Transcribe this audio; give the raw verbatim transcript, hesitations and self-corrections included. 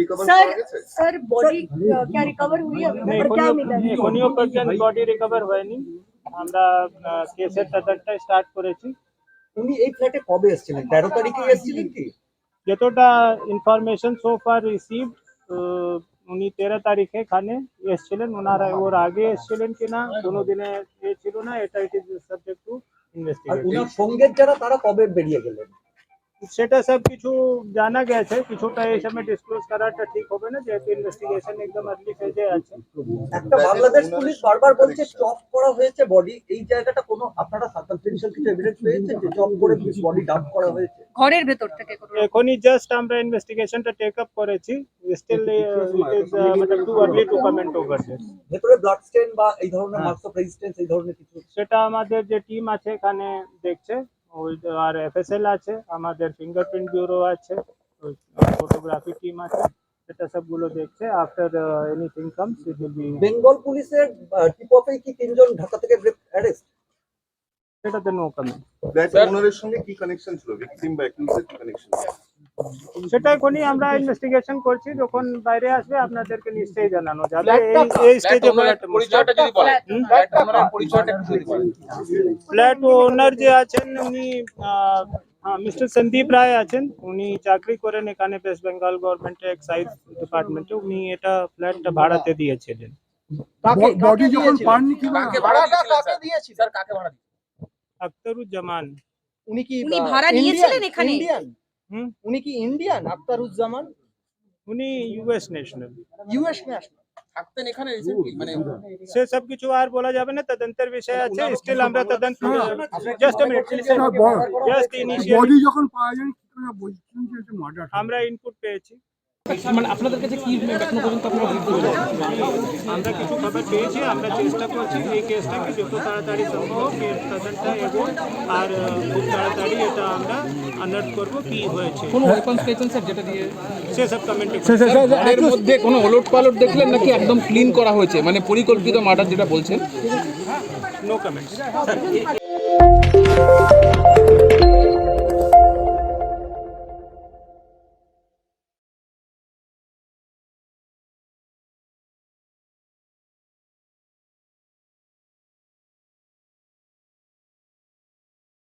Recover sir किया गया? Sir body क्या रिकवर हुई है? अभी तक क्या मिला है? এখনিও পর্যন্ত বডি রিকভার হয়নি। আমরা কেসের তদন্ত স্টার্ট করেছি। উনি এই ফ্ল্যাটে কবে এসেছিলেন? তেরো তারিখে এসেছিলেন কি? যতটা ইনফরমেশন সো ফার রিসিভড, উনি তেরো তারিখে এখানে এসেছিলেন। ওনারা ওর আগে এসেছিলেন কিনা কোনো দিনে এ ছিল না, এটা it is subject to our investigation. উনার সঙ্গের যারা তারা কবে বেরিয়ে গেলেন? সেটা সব কিছু জানা গেছে, কিছুটা এই সময় ডিসক্লোজ করাটা ঠিক হবে না যেহেতু ইনভেস্টিগেশন একদম আর্লি ফেজে আছে। একটা বাংলাদেশ পুলিশ বারবার বলছে চপ করা হয়েছে বডি, এই জায়গাটা কোনো আপনারা সার্কামস্টেন্সিয়াল কিছু এভিডেন্স পেয়েছেন যে চপ করে বডি ডাম্প করা হয়েছে? ঘরের ভেতর থেকে কোনো এখনই জাস্ট আমরা ইনভেস্টিগেশনটা টেক আপ করেছি। স্টিল ইট ইজ মানে too early to comment over this. ভেতরে ব্লাড স্টেন বা এই ধরনের মার্কস অফ রেজিস্ট্যান্স এই ধরনের কিছু? সেটা আমাদের যে টিম আছে এখানে দেখছে, ওই আর এফএসএল আছে, আমাদের ফিঙ্গারপ্রিন্ট ব্যুরো আছে, ফটোগ্রাফি টিম আছে, সেটা সবগুলো দেখছে। After anything comes it will be. Bengal পুলিশের টিপ অফে কি তিনজন ঢাকা থেকে অ্যারেস্ট? সেটাতে নো কমেন্ট। ফ্ল্যাট ওনারের সঙ্গে কি কানেকশন ছিল, ভিকটিম বা অ্যাকিউজের কি কানেকশন? সেটা এখনই আমরা ইনভেস্টিগেশন করছি, যখন বাইরে আসবে আপনাদেরকে নিশ্চয়ই জানানো যাবে। এই এই স্টেজে পরিচয়টা যদি বলেন, ফ্ল্যাট ওনারের পরিচয়টা একটু যদি বলেন। ফ্ল্যাট ওনার যে আছেন উনি মিস্টার সন্দীপ রায় আছেন, উনি চাকরি করেন এখানে ওয়েস্ট বেঙ্গল গভর্নমেন্টের এক্সাইজ ডিপার্টমেন্টে। উনি এটা ফ্ল্যাটটা ভাড়াতে দিয়েছিলেন। বডি যখন পাননি কি কাকে ভাড়াটা কাকে দিয়েছি স্যার, কাকে ভাড়া দিয়েছি? আখতারুজ্জামান। উনি কি উনি ভাড়া নিয়েছিলেন এখানে? ইন্ডিয়ান? হুম, উনি কি ইন্ডিয়ান? আখতারুজ্জামান উনি ইউএস ন্যাশনাল। US national. থাকতেন এখানে রিসেন্টলি, মানে সে সব কিছু আর বলা যাবে না, তদন্তের বিষয় আছে। স্টিল আমরা তদন্ত just a minute just initial body যখন পাওয়া যায় কি করে বলছেন যে এটা মার্ডার? আমরা ইনপুট পেয়েছি, মানে আপনাদের কাছে কি এখনো পর্যন্ত আপনারা আমরা কিছু খবর পেয়েছি। আমরা চেষ্টা করছি এই কেসটাকে যত তাড়াতাড়ি সম্ভব এর তদন্ত এবং আর খুব তাড়াতাড়ি এটা আমরা আনার্ট করবো কি হয়েছে। কোনো ওয়েপন্স পেয়েছেন স্যার যেটা দিয়ে সেসব কমেন্ট এর মধ্যে কোনো ওলট পালট দেখলেন নাকি একদম ক্লিন করা হয়েছে, মানে পরিকল্পিত মার্ডার যেটা বলছেন? No comments.